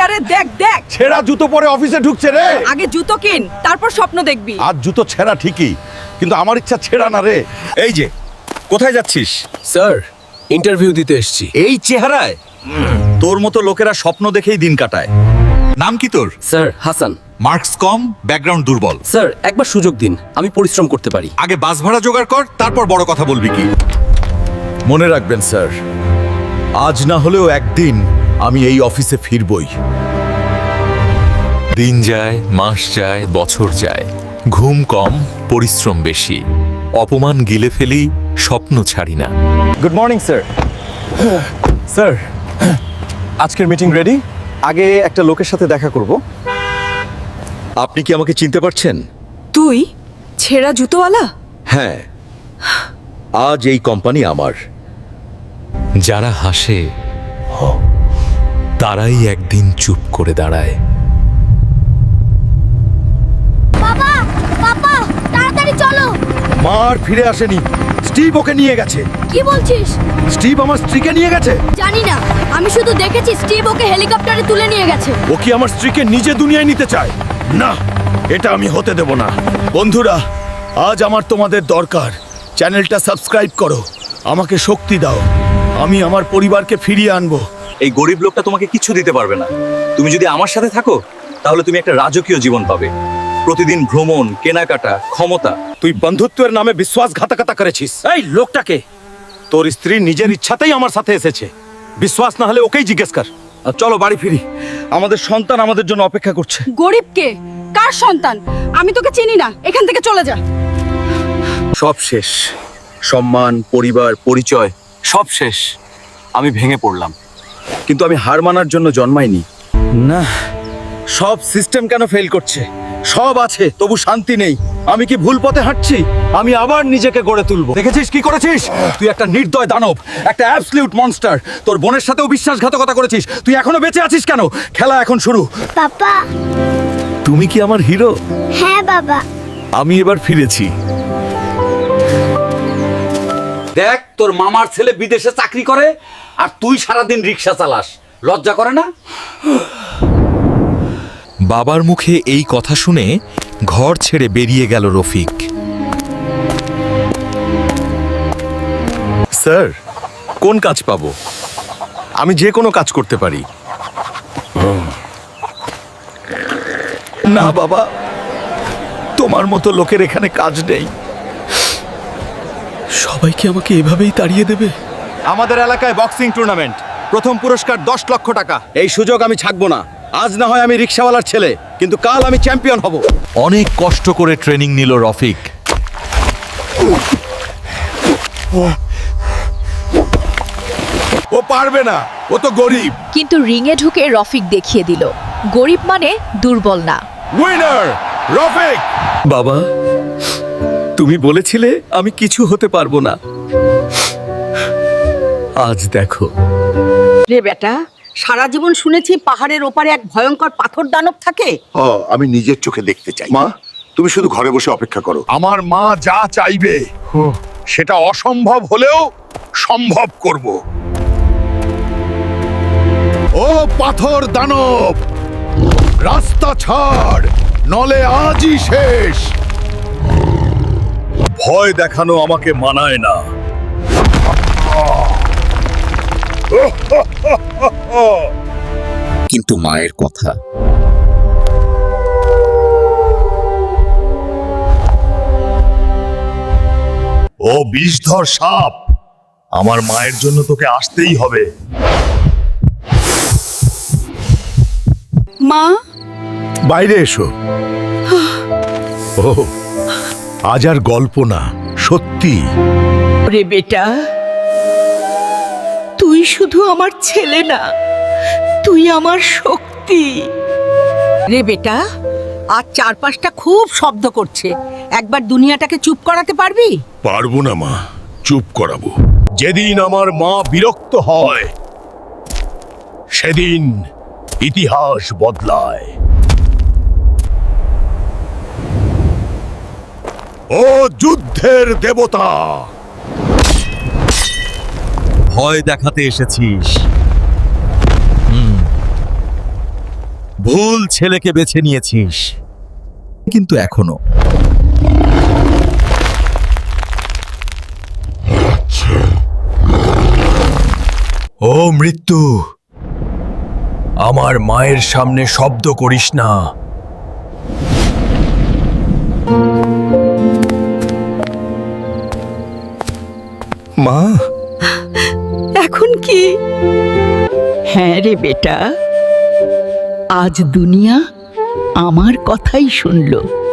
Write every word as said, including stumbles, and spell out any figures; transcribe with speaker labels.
Speaker 1: আরে দেখ দেখ,
Speaker 2: ছেঁড়া জুতো পরে অফিসে ঢুকছে রে।
Speaker 1: আগে জুতো কিন, তারপর স্বপ্ন দেখবি।
Speaker 2: আজ জুতো ছেঁড়া ঠিকই, কিন্তু আমার ইচ্ছা ছেঁড়া না রে।
Speaker 3: এই যে, কোথায় যাচ্ছিস?
Speaker 4: স্যার, ইন্টারভিউ দিতে এসেছি।
Speaker 3: এই চেহারায়? তোর মতো লোকেরা স্বপ্ন দেখেই দিন কাটায়। নাম কি তোর?
Speaker 4: স্যার, হাসান।
Speaker 3: মার্কস কম, ব্যাকগ্রাউন্ড দুর্বল।
Speaker 4: স্যার, একবার সুযোগ দিন, আমি পরিশ্রম করতে পারি।
Speaker 3: আগে বাস ভাড়া জোগাড় কর, তারপর বড় কথা বলবি কি।
Speaker 2: মনে রাখবেন স্যার, আজ না হলেও একদিন আমি এই অফিসে ফিরবই।
Speaker 5: দিন যায়, মাস যায়, বছর যায়, ঘুম কম, পরিশ্রম বেশি, অপমান গিলে ফেলি, স্বপ্ন ছাড়ি না।
Speaker 6: Good morning sir. স্যার, আজকের মিটিং রেডি। আগে একটা লোকের সাথে দেখা করব।
Speaker 2: আপনি কি আমাকে চিনতে পারছেন?
Speaker 1: তুই ছেঁড়া জুতোওয়ালা?
Speaker 2: হ্যাঁ, আজ এই কোম্পানি আমার।
Speaker 5: যারা হাসে তারাই একদিন চুপ করে দাঁড়ায়।
Speaker 7: বাবা, বাবা, তাড়াতাড়ি চলো।
Speaker 2: মার ফিরে আসেনি, স্টিভ ওকে নিয়ে গেছে।
Speaker 7: কি বলছিস?
Speaker 2: স্টিভ আমার স্ত্রীকে নিয়ে গেছে।
Speaker 7: জানি না, আমি শুধু দেখেছি স্টিভ ওকে হেলিকপ্টারে তুলে নিয়ে গেছে।
Speaker 2: ও কি আমার স্ত্রীকে নিজে দুনিয়ায় নিতে চায়? না, এটা আমি হতে দেব না। বন্ধুরা, আজ আমার তোমাদের দরকার। চ্যানেলটা সাবস্ক্রাইব করো, আমাকে শক্তি দাও, আমি আমার পরিবারকে ফিরিয়ে আনবো।
Speaker 3: এই গরিব লোকটা তোমাকে কিছু দিতে পারবে না। তুমি যদি আমার সাথে থাকো, তাহলে তুমি একটা রাজকীয় জীবন পাবে। প্রতিদিন ভ্রমণ, কেনাকাটা, ক্ষমতা।
Speaker 2: তুই বন্ধুত্বের নামে বিশ্বাসঘাতকতা করেছিস।
Speaker 6: এই লোকটাকে।
Speaker 2: তোর স্ত্রী নিজের ইচ্ছাতেই আমার সাথে এসেছে। বিশ্বাস না হলে ওকেই জিজ্ঞেস কর। আর চলো বাড়ি ফিরি, আমাদের সন্তান আমাদের জন্য অপেক্ষা করছে।
Speaker 1: গরিব কে? কার সন্তান? আমি তোকে চিনি না, এখান থেকে চলে যা।
Speaker 3: সব শেষ। সম্মান, পরিবার, পরিচয় সব শেষ। আমি ভেঙে পড়লাম, কিন্তু আমি হার মানার জন্য জন্মাইনি।
Speaker 2: না, সব সিস্টেম কেন ফেল করছে? সব আছে, তবু শান্তি নেই। আমি কি ভুল পথে হাঁটছি? আমি আবার নিজেকে গড়ে তুলবো। দেখেছিস কি করেছিস? তুই একটা নির্দয় দানব, একটা অ্যাবসলিউট মনস্টার। তোর বোনের সাথেও বিশ্বাসঘাতকতা করেছিস। তুই এখনো বেঁচে আছিস কেন? খেলা এখন শুরু।
Speaker 7: বাবা।
Speaker 2: তুমি কি আমার হিরো?
Speaker 7: হ্যাঁ বাবা।
Speaker 2: আমি এবার ফিরেছি।
Speaker 8: দেখ, তোর মামার ছেলে বিদেশে চাকরি করে আর তুই সারাদিন রিক্সা চালাস। লজ্জা করে না?
Speaker 5: বাবার মুখে এই কথা শুনে ঘর ছেড়ে বেরিয়ে গেল রফিক।
Speaker 2: স্যার, কোন কাজ পাবো? আমি যে কোনো কাজ করতে পারি। না বাবা, তোমার মতো লোকের এখানে কাজ নেই।
Speaker 4: সবাই কি আমাকে এভাবেই তাড়িয়ে দেবে?
Speaker 2: আমাদের এলাকায় বক্সিং টুর্নামেন্ট, প্রথম পুরস্কার দশ লক্ষ টাকা। এই সুযোগ আমি ছাড়বো না। আজ না হয় আমি রিক্সাওয়ালার ছেলে, কিন্তু কাল আমি চ্যাম্পিয়ন হব।
Speaker 5: অনেক কষ্ট করে ট্রেনিং নিল রফিক।
Speaker 2: ও পারবে না, ও তো গরিব।
Speaker 9: কিন্তু রিংয়ে ঢুকে রফিক দেখিয়ে দিল, গরিব মানে দুর্বল না।
Speaker 2: উইনার রফিক।
Speaker 4: বাবা, তুমি বলেছিলে আমি কিছু হতে পারবো না। আজ দেখো।
Speaker 1: রে বেটা, সারা জীবন শুনেছি পাহাড়ের ওপারে এক ভয়ঙ্কর পাথর দানব থাকে।
Speaker 10: আমি নিজের চোখে দেখতে চাই। মা, তুমি শুধু ঘরে বসে অপেক্ষা করো।
Speaker 2: আমার মা যা চাইবে সেটা অসম্ভব হলেও সম্ভব করব। ও পাথর দানব, রাস্তা ছাড়, নলে আজই শেষ। ভয় দেখানো আমাকে মানায় না।
Speaker 3: কিন্তু মায়ের কথা।
Speaker 2: ও বিষধর সাপ, আমার মায়ের জন্য তোকে আসতেই হবে।
Speaker 1: মা,
Speaker 2: বাইরে এসো। ও, আজ আর গল্প না, সত্যি।
Speaker 1: রে বেটা, তুই শুধু আমার ছেলে না, তুই আমার শক্তি। রে বেটা, আজ চারপাশটা খুব শব্দ করছে, একবার দুনিয়াটাকে চুপ করাতে পারবি?
Speaker 2: পারবো না মা, চুপ করাবো। যেদিন আমার মা বিরক্ত হয় সেদিন ইতিহাস বদলায়। ও যুদ্ধের দেবতা,
Speaker 5: ভয় দেখাতে এসেছিস। ভুল ছেলেকে বেছে নিয়েছিস, কিন্তু এখনো
Speaker 4: ও মৃত্যু, আমার মায়ের সামনে শব্দ করিস না।
Speaker 5: মা,
Speaker 1: এখন কি? হ্যাঁ রে বেটা, আজ দুনিয়া আমার কথাই শুনলো।